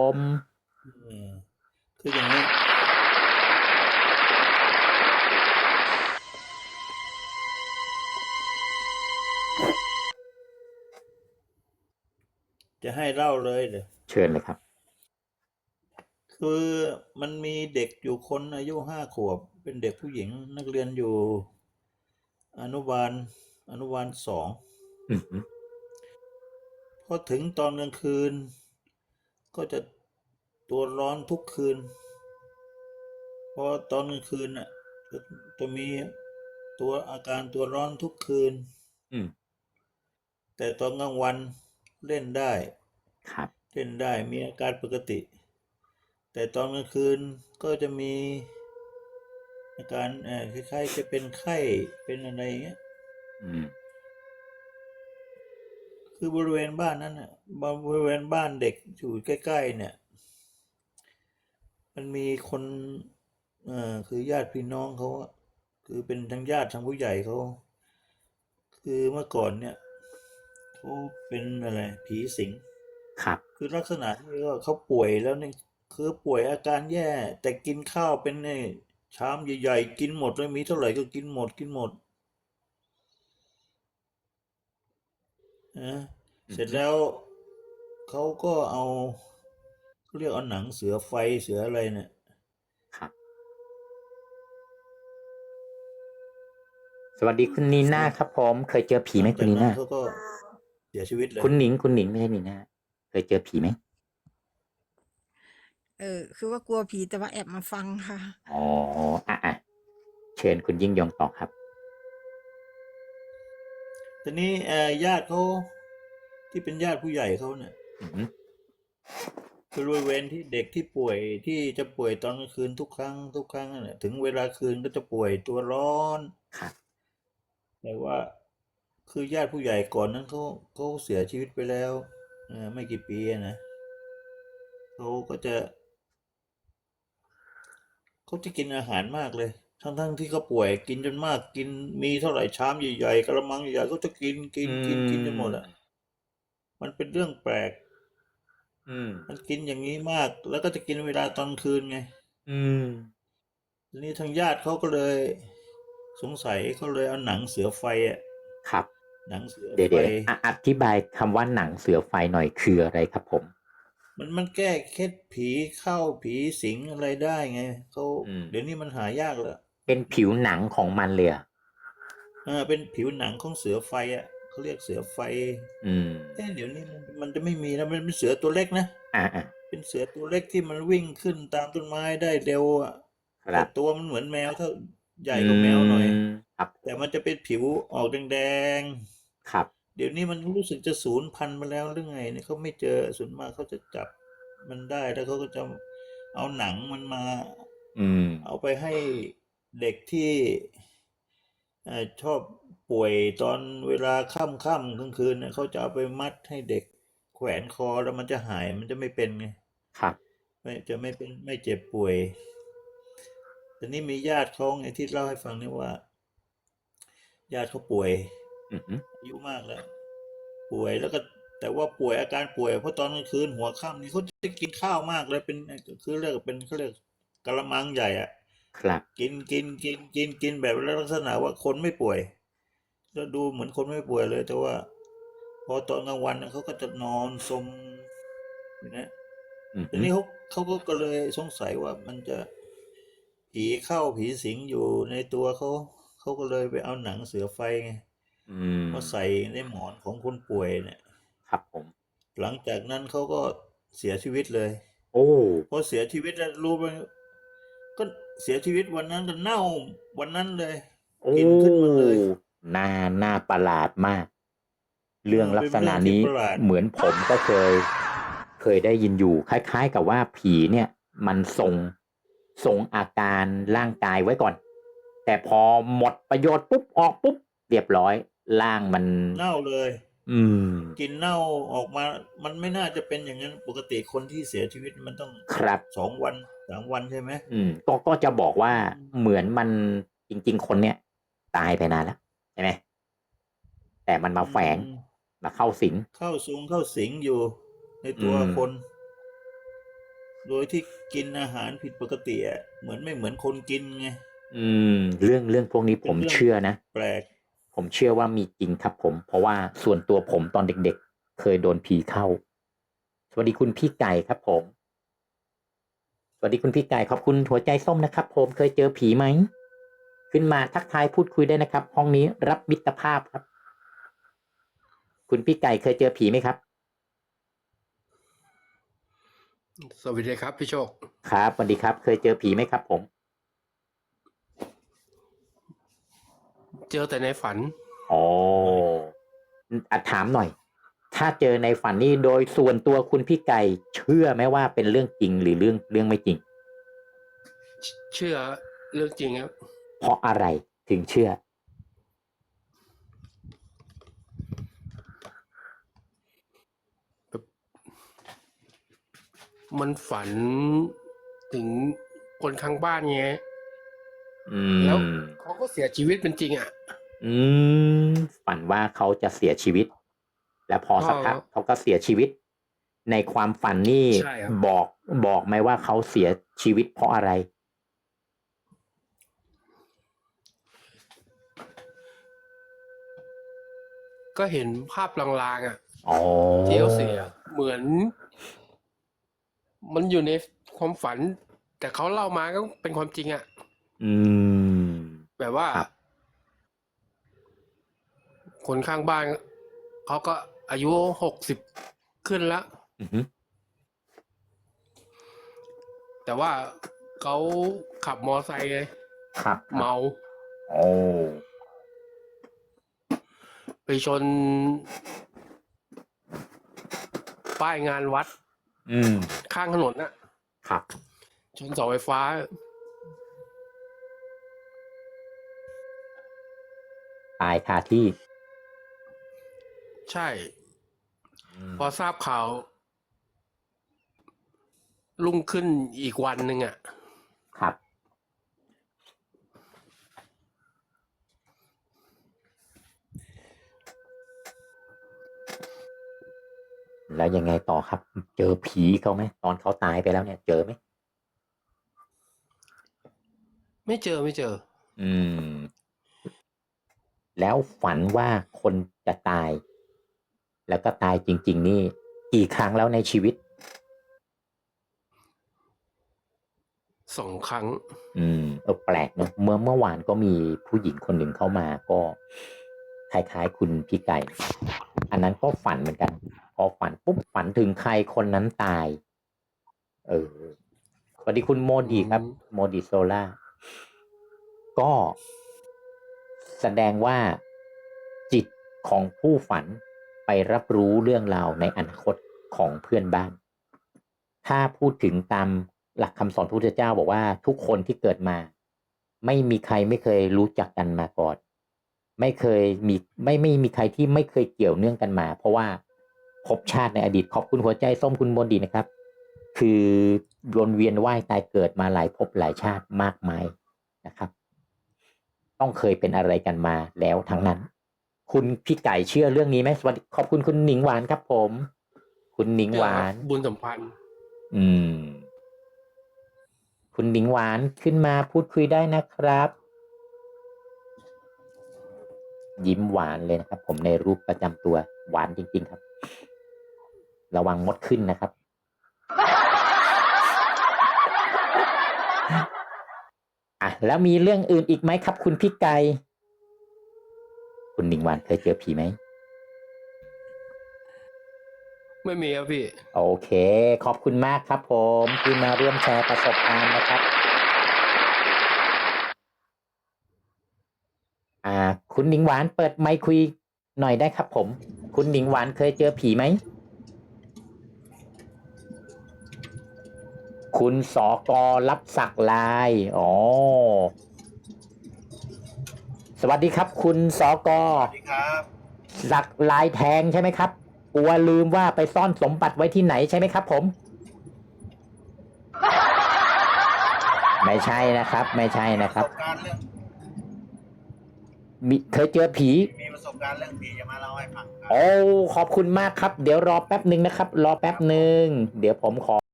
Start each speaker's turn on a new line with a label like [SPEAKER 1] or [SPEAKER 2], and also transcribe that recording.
[SPEAKER 1] ม
[SPEAKER 2] เออคืออย่างนี้จะให้เล่าเลยเหรอ
[SPEAKER 1] เชิญเลยครับ
[SPEAKER 2] คือมันมีเด็กอยู่คนอายุ5 ขวบเป็นเด็กผู้หญิงนักเรียนอยู่อนุบาล2
[SPEAKER 1] อืม
[SPEAKER 2] พอถึงตอนกลางคืนก็จะตัวร้อนทุกคืนพอตอนกลางคืนน่ะจะมีอาการตัวร้อนทุกคืน
[SPEAKER 1] อืม
[SPEAKER 2] แต่ตอนกลางวันเล่นได้
[SPEAKER 1] ครับ
[SPEAKER 2] มีอาการปกติแต่ตอนกลางคืนก็จะมีอาการคล้ายๆจะเป็นไข้เป็นอะไรอย่างเงี้ย
[SPEAKER 1] อืม
[SPEAKER 2] คือบริเวณบ้านนั้นน่ะบริเวณบ้านเด็กอยู่ใกล้ๆเนี่ยมันมีคนคือญาติพี่น้องเขาอะคือเป็นทั้งญาติทั้งผู้ใหญ่เขาคือเมื่อก่อนเนี่ยเขาเป็นอะไรผีสิง
[SPEAKER 1] ครับ
[SPEAKER 2] คือลักษณะที่ว่าเขาป่วยแล้วเนี่ยคือป่วยอาการแย่แต่กินข้าวเป็นเนี่ยชามใหญ่ๆกินหมดเลยมีเท่าไหร่ก็กินหมดนะ
[SPEAKER 1] อืม
[SPEAKER 2] เสร็จแล้วเขาก็เอาเขาเรียกเอาหนังเสือไฟเสืออะไรเนี่ย
[SPEAKER 1] ครับสวัสดีคุณนีน่าครับผมเคยเจอผีไหม
[SPEAKER 2] หลังจาก
[SPEAKER 1] คุณนีน่า
[SPEAKER 2] นั้นเขาก็เสียชีวิตเลย
[SPEAKER 1] คุณหนิงไม่ใช่นีน่าเคยเจอผีไหม
[SPEAKER 3] คือว่ากลัวผีแต่ว่าแอบมาฟังค่ะ
[SPEAKER 1] อ๋ออ่ะเชิญคุณยิ่งยงต่อครับ
[SPEAKER 2] ทีนี้ญาติเขาที่เป็นญาติผู้ใหญ่เขาเนี่ย
[SPEAKER 1] อืม
[SPEAKER 2] บริเวณที่เด็กที่ป่วยที่จะป่วยตอนกลางคืนทุกครั้งนั่นแหละถึงเวลาคืนก็จะป่วยตัวร้อน
[SPEAKER 1] ครับ
[SPEAKER 2] แต่ว่าคือญาติผู้ใหญ่ก่อนนั้นเขาเสียชีวิตไปแล้วไม่กี่ปีอะนะเขาก็จะเขาจะกินอาหารมากเลยทั้งที่เขาป่วยกินจนมากกินมีเท่าไหร่ชามใหญ่ๆกระมังใหญ่ๆเขาจะกินกิ
[SPEAKER 1] อื
[SPEAKER 2] นกินกินจนหมดอะ
[SPEAKER 1] ม
[SPEAKER 2] มันเป็นเรื่องแปลก
[SPEAKER 1] อืม
[SPEAKER 2] มันกินอย่างนี้มากแล้วก็จะกินเวลาตอนคืนไง
[SPEAKER 1] อืม
[SPEAKER 2] ทีนี้ทางญาติเขาก็เลยสงสัยเขาเลยเอาหนังเสือไฟอะ
[SPEAKER 1] ครับ
[SPEAKER 2] หนังเสือไฟ
[SPEAKER 1] เดี๋ยวอธิบายคำว่าหนังเสือไฟหน่อยคืออะไรครับผม
[SPEAKER 2] มันแก้เคล็ดผีเข้าผีสิงอะไรได้ไงเขา
[SPEAKER 1] อืม
[SPEAKER 2] เดี๋ยวนี้มันหายากแล้ว
[SPEAKER 1] เป็นผิวหนังของมันเลยเหรอ
[SPEAKER 2] เป็นผิวหนังของเสือไฟอ่ะเขาเรียกเสือไฟ
[SPEAKER 1] อืม
[SPEAKER 2] เดี๋ยวนี้มันจะไม่มีแล้วมันเป็นเสือตัวเล็กนะ
[SPEAKER 1] อ่ะ
[SPEAKER 2] เป็นเสือตัวเล็กที่มันวิ่งขึ้นตามต้นไม้ได้เร็วอ่ะแต่
[SPEAKER 1] ครับ
[SPEAKER 2] ตัวมันเหมือนแมวเท่าใหญ่
[SPEAKER 1] อื
[SPEAKER 2] กว่าแมวหน่อย
[SPEAKER 1] มครับ
[SPEAKER 2] แต่มันจะเป็นผิวออกแดง
[SPEAKER 1] ครับ
[SPEAKER 2] เดี๋ยวนี้มันรู้สึกจะสูญพันธุ์ไปแล้วหรือไงเนี่ยเขาไม่เจอส่วนมากเขาจะจับมันได้แล้วเขาก็จะเอาหนังมันมา
[SPEAKER 1] อืม
[SPEAKER 2] เอาไปให้เด็กที่ชอบป่วยตอนเวลาค่ำกลางคืนเนี่ยเขาจะเอาไปมัดให้เด็กแขวนคอแล้วมันจะหายมันจะไม่เป็นไง
[SPEAKER 1] ครับ
[SPEAKER 2] ไม่จะไม่เป็นไม่เจ็บป่วยแต่นี่มีญาติเขาไงที่เล่าให้ฟังนี่ว่าญาติเขาป่วย
[SPEAKER 1] อืม
[SPEAKER 2] อายุมากแล้วป่วยแล้วก็แต่ว่าป่วยอาการป่วยเพราะตอนกลางคืนหัวค่ำนี่เขาจะกินข้าวมากเลยเป็นคือเรียกเป็นเขาเรียกกะละมังใหญ่อะ
[SPEAKER 1] ครับ
[SPEAKER 2] กินแบบลักษณะว่าคนไม่ป่วยแล้วดูเหมือนคนไม่ป่วยเลยแต่ว่าพอตอนกลางวันน่ะเขาก็จะนอนสมอยู่นะ
[SPEAKER 1] อื
[SPEAKER 2] ทีนี้
[SPEAKER 1] ม
[SPEAKER 2] เขาก็เลยสงสัยว่ามันจะผีเข้าผีสิงอยู่ในตัวเขาก็เลยไปเอาหนังเสือไฟไง
[SPEAKER 1] อืม
[SPEAKER 2] มาใส่ในหมอนของคนป่วยเนี่ย
[SPEAKER 1] ครับผม
[SPEAKER 2] หลังจากนั้นเขาก็เสียชีวิตเลย
[SPEAKER 1] โอ้
[SPEAKER 2] พอเสียชีวิตแล้วรู้ไหมก็เสียชีวิตวันนั้นก็เน่าวันนั้นเลย
[SPEAKER 1] โอ้
[SPEAKER 2] กลิ่นขึ้นมาเลย
[SPEAKER 1] น่าน่าประหลาดมากเรื่องลัก
[SPEAKER 2] เป็นเรื่องที่
[SPEAKER 1] ษณะนี้
[SPEAKER 2] ประหลาด
[SPEAKER 1] เหมือนผมก็เคยได้ยินอยู่คล้ายๆกับว่าผีเนี่ยมันส่งอาการร่างกายไว้ก่อนแต่พอหมดประโยชน์ปุ๊บออกปุ๊บเรียบร้อยร่างมัน
[SPEAKER 2] เน่าเลย
[SPEAKER 1] อืม
[SPEAKER 2] กลิ่นเน่าออกมามันไม่น่าจะเป็นอย่างนั้นปกติคนที่เสียชีวิตมันต้อง
[SPEAKER 1] ครับ
[SPEAKER 2] 2 วัน3 วันใช่ไหม
[SPEAKER 1] ก็จะบอกว่า
[SPEAKER 2] อืม
[SPEAKER 1] เหมือนมันจริงๆคนเนี่ยตายไปนานแล้วใช่ไหมแต่มันมา
[SPEAKER 2] อื
[SPEAKER 1] แฝง
[SPEAKER 2] ม
[SPEAKER 1] มาเข้าสิง
[SPEAKER 2] เข้าสิงอยู่ใน
[SPEAKER 1] อื
[SPEAKER 2] ตัว
[SPEAKER 1] ม
[SPEAKER 2] คนโดยที่กินอาหารผิดปกติอะไม่เหมือนคนกินไง
[SPEAKER 1] เรื่องพวกนี้ผม
[SPEAKER 2] เป็นเรื่อง
[SPEAKER 1] เชื่อนะ
[SPEAKER 2] แปลก
[SPEAKER 1] ผมเชื่อว่ามีจริงครับผม เพราะว่าส่วนตัวผมตอนเด็กๆ เคยโดนผีเข้า สวัสดีคุณพี่ไก่ครับผม สวัสดีคุณพี่ไก่ขอบคุณหัวใจส้มนะครับผมเคยเจอผีไหม ขึ้นมาทักทายพูดคุยได้นะครับ ห้องนี้รับมิตรภาพครับ คุณพี่ไก่เคยเจอผีไหมครับ
[SPEAKER 4] สวัสดีครับพี่โชค
[SPEAKER 1] ครับสวัสดีครับ เคยเจอผีไหมครับผม
[SPEAKER 4] เจอแต่ในฝัน
[SPEAKER 1] อ๋อถามหน่อย ถ้าเจอในฝันนี่โดยส่วนตัวคุณพี่ไก่เชื่อไหมว่าเป็นเรื่องจริงหรือเรื่องไม่จริง
[SPEAKER 4] เชื่อเรื่องจริงครับ
[SPEAKER 1] เพราะอะไรถึงเชื่อ
[SPEAKER 4] มันฝันถึงคนข้างบ้านไง
[SPEAKER 1] อื
[SPEAKER 4] แล้ว
[SPEAKER 1] ม
[SPEAKER 4] เขาก็เสียชีวิตเป็นจริงอ่ะ
[SPEAKER 1] อืม ฝันว่าเขาจะเสียชีวิต แล้วพอสักพักเขาก็เสียชีวิต ในความฝันนี่
[SPEAKER 4] ใช่ครับ
[SPEAKER 1] บอกไหมว่าเขาเสียชีวิตเพราะอะไร
[SPEAKER 4] ก็เห็นภาพลางๆอ่ะ
[SPEAKER 1] อ๋อ
[SPEAKER 4] ที่เขาเสียเหมือน มันอยู่ในความฝัน แต่เขาเล่ามาก็เป็นความจริงอ่ะ
[SPEAKER 1] อืม
[SPEAKER 4] แบบว่า
[SPEAKER 1] ครับ
[SPEAKER 4] คนข้างบ้านเขาก็อายุ60ขึ้นแล้ว
[SPEAKER 1] อือฮึ
[SPEAKER 4] แต่ว่าเขาขับมอไซค์ไง
[SPEAKER 1] ครับ
[SPEAKER 4] เมา
[SPEAKER 1] โอ้
[SPEAKER 4] ไปชน ป้ายงานวัด
[SPEAKER 1] อืม
[SPEAKER 4] ข้างถนนน่ะ
[SPEAKER 1] ครับ
[SPEAKER 4] ชนเสาไฟฟ้า
[SPEAKER 1] ตายคาที่
[SPEAKER 4] ใช่
[SPEAKER 1] อืม
[SPEAKER 4] พอทราบข่าว รุ่งขึ้นอีกวันหนึ่งอ่ะ
[SPEAKER 1] ครับ แล้วยังไงต่อครับ เจอผีเขาไหมตอนเขาตายไปแล้วเนี่ย เจอไหม
[SPEAKER 4] ไม่เจอ
[SPEAKER 1] อืม แล้วฝันว่าคนจะตาย แล้วก็ตายจริง ๆ นี่กี่ครั้งแล้วในชีวิต
[SPEAKER 4] 2 ครั้ง
[SPEAKER 1] แปลกเนอะเมื่อวานก็มีผู้หญิงคนหนึ่งเข้ามาก็คล้ายๆคุณพี่ไก่ อันนั้นก็ฝันเหมือนกัน พอฝันปุ๊บฝันถึงใครคนนั้นตาย สวัสดีคุณโมดีครับ โมดีโซล่า ก็แสดงว่าจิตของผู้ฝันไปรับรู้เรื่องราวในอนาคตของเพื่อนบ้าน ถ้าพูดถึงตามหลักคำสอนพระพุทธเจ้าบอกว่าทุกคนที่เกิดมา ไม่มีใครไม่เคยรู้จักกันมาก่อน ไม่มีใครที่ไม่เคยเกี่ยวเนื่องกันมา เพราะว่าภพชาติในอดีตขอบคุณหัวใจส้มคุณโมดีนะครับ คือวนเวียนว่ายตายเกิดมาหลายภพหลายชาติมากมายนะครับ ต้องเคยเป็นอะไรกันมาแล้วทั้งนั้น คุณพี่ไก่เชื่อเรื่องนี้ไหมสวัสดีขอบคุณคุณหนิงหวานครับผม คุณหนิงหวาน
[SPEAKER 4] บุญสัมพันธ์
[SPEAKER 1] คุณหนิงหวานขึ้นมาพูดคุยได้นะครับ ยิ้มหวานเลยนะครับ ผมในรูปประจำตัวหวานจริงๆครับ ระวังมดขึ้นนะครับ แล้วมีเรื่องอื่นอีกไหมครับ คุณพี่ไก่คุณหนิงหวานเคยเจอผีไหม
[SPEAKER 4] ไม่มีครับพี่
[SPEAKER 1] โอเคขอบคุณมากครับผมที่มาร่วมแชร์ประสบการณ์นะครับคุณหนิงหวานเปิดไมค์คุยหน่อยได้ครับผมคุณหนิงหวานเคยเจอผีไหมคุณสกรับสักลายสวัสดีครับคุณสก
[SPEAKER 2] สวัสดีครับ
[SPEAKER 1] สักลายแทงใช่ไหมครับกลัวลืมว่าไปซ่อนสมบัติไว้ที่ไหนใช่ไหมครับผมไม่ใช่นะครับ ไม่ใช่นะครับ
[SPEAKER 2] ประสบการณ์เรื่อง
[SPEAKER 1] เคยเจอผี
[SPEAKER 2] มีประสบการณ์เรื่องผีจะมาเล่าให้ฟังครับ
[SPEAKER 1] โอ้ขอบคุณมากครับเดี๋ยวรอแป๊บหนึ่งนะครับ รอแป๊บหนึ่งเดี๋ยวผมขอ